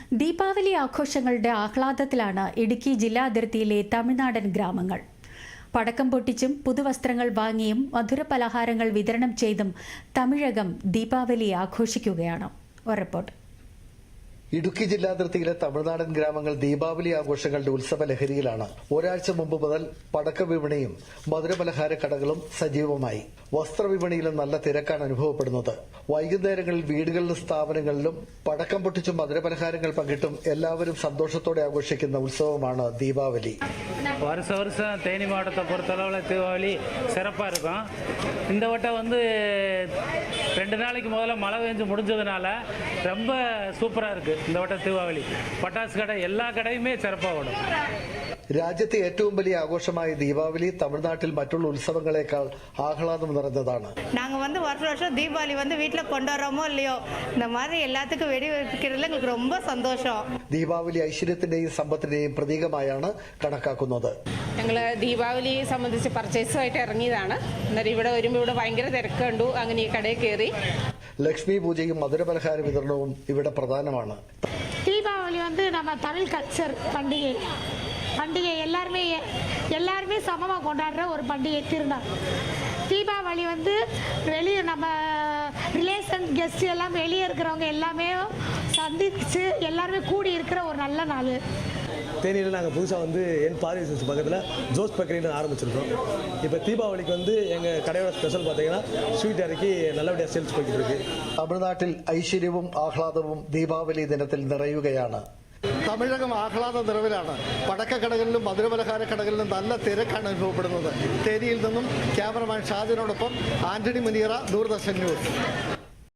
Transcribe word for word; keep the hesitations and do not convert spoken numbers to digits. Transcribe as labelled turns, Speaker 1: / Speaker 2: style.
Speaker 1: ദീപാവലി ആഘോഷങ്ങളുടെ ആഹ്ലാദത്തിലാണ് ഇടുക്കി ജില്ലാ അതിർത്തിയിലെ തമിഴ്നാടൻ ഗ്രാമങ്ങൾ. പടക്കം പൊട്ടിച്ചും പുതുവസ്ത്രങ്ങൾ വാങ്ങിയും മധുരപലഹാരങ്ങൾ വിതരണം ചെയ്തും തമിഴകം ദീപാവലി ആഘോഷിക്കുകയാണ്. ഒരു റിപ്പോർട്ട്.
Speaker 2: ഇടുക്കി ജില്ലാതിർത്തിയിലെ തമിഴ്നാടൻ ഗ്രാമങ്ങൾ ദീപാവലി ആഘോഷങ്ങളുടെ ഉത്സവ ലഹരിയിലാണ്. ഒരാഴ്ച മുമ്പ് മുതൽ പടക്ക വിപണിയും മധുരപലഹാര കടകളും സജീവമായി. വസ്ത്രവിപണിയിലും നല്ല തിരക്കാണ് അനുഭവപ്പെടുന്നത്. വൈകുന്നേരങ്ങളിൽ വീടുകളിലും സ്ഥാപനങ്ങളിലും പടക്കം പൊട്ടിച്ചും മധുരപലഹാരങ്ങൾ പങ്കിട്ടും എല്ലാവരും സന്തോഷത്തോടെ ആഘോഷിക്കുന്ന ഉത്സവമാണ് ദീപാവലി.
Speaker 3: வருஷ வருஷம் தேனி மாவட்டத்தை பொறுத்தளவில் தீபாவளி சிறப்பாக இருக்கும். இந்த வட்டம் வந்து ரெண்டு நாளைக்கு முதல்ல மழை பெஞ்சு முடிஞ்சதுனால ரொம்ப சூப்பராக இருக்குது. இந்த வட்டம் தீபாவளி பட்டாசு கடை எல்லா கடையுமே சிறப்பாக ஓடும்.
Speaker 2: രാജ്യത്തെ ഏറ്റവും വലിയ ആഘോഷമായ ദീപാവലി തമിഴ്നാട്ടിൽ മറ്റുള്ള ഉത്സവങ്ങളെക്കാൾ ആഹ്ലാദം നിറഞ്ഞതാണ്.
Speaker 4: நாங்கள் வந்து வருஷம் வருஷம் தீபாவளி வந்து வீட்டில் கொண்டாடுறோமோ இல்லையோ இந்த மாதிரி எல்லாத்துக்கும் வெடி வைக்கிறதுல எங்களுக்கு ரொம்ப சந்தோஷம்.
Speaker 2: ദീപാവലി ഐശ്വര്യത്തിന്റെയും സമ്പത്തിന്റെയും പ്രതീകമായാണ് കണക്കാക്കുന്നത്.
Speaker 5: ഞങ്ങൾ ദീപാവലിയെ സംബന്ധിച്ച് പർച്ചേസുമായിട്ട് ഇറങ്ങിയതാണ്. അന്നേരം ഇവിടെ വരുമ്പോൾ ഇവിടെ ഭയങ്കര തിരക്ക് കണ്ടു. അങ്ങനെ ഈ കടയിൽ കയറി.
Speaker 2: ലക്ഷ്മി പൂജയും മധുരപലഹാര വിതരണവും ഇവിടെ പ്രധാനമാണ്.
Speaker 6: தீபாவளி வந்து நம்ம தமிழ் கல்ச்சர் பண்டிகை பண்டிகை எல்லாருமே எல்லாருமே சமமாக கொண்டாடுற ஒரு பண்டிகை திருநாள். தீபாவளி வந்து வெளியே நம்ம ரிலேஷன் கெஸ்ட் எல்லாம் வெளியே இருக்கிறவங்க எல்லாமே சந்திச்சு எல்லாருமே கூடி இருக்கிற ஒரு நல்ல நாள்.
Speaker 7: தேனியில் நாங்கள் புதுசாக வந்து என் பாரிஸ் பக்கத்தில் ஜோஸ் பேக்கரின்னு ஆரம்பிச்சிருக்கோம். இப்போ தீபாவளிக்கு வந்து எங்கள் கடையோட ஸ்பெஷல் பார்த்தீங்கன்னா ஸ்வீட் இறக்கி நல்லபடியாக சேல்ஸ் போய்கிட்டு இருக்கு.
Speaker 2: തമിഴ്നാട്ടിൽ ഐശ്വര്യവും ആഹ്ലാദവും ദീപാവലി ദിനത്തിൽ നിറയുകയാണ്. തമിഴകം ആഹ്ലാദ നിറവിലാണ്. പടക്കക്കടകളിലും മധുരപലഹാര കടകളിലും നല്ല തിരക്കാണ് അനുഭവപ്പെടുന്നത്. തേനിയിൽ നിന്നും ക്യാമറമാൻ ഷാജിനോടൊപ്പം ആന്റണി മുനിയറ, ദൂരദർശൻ ന്യൂസ്.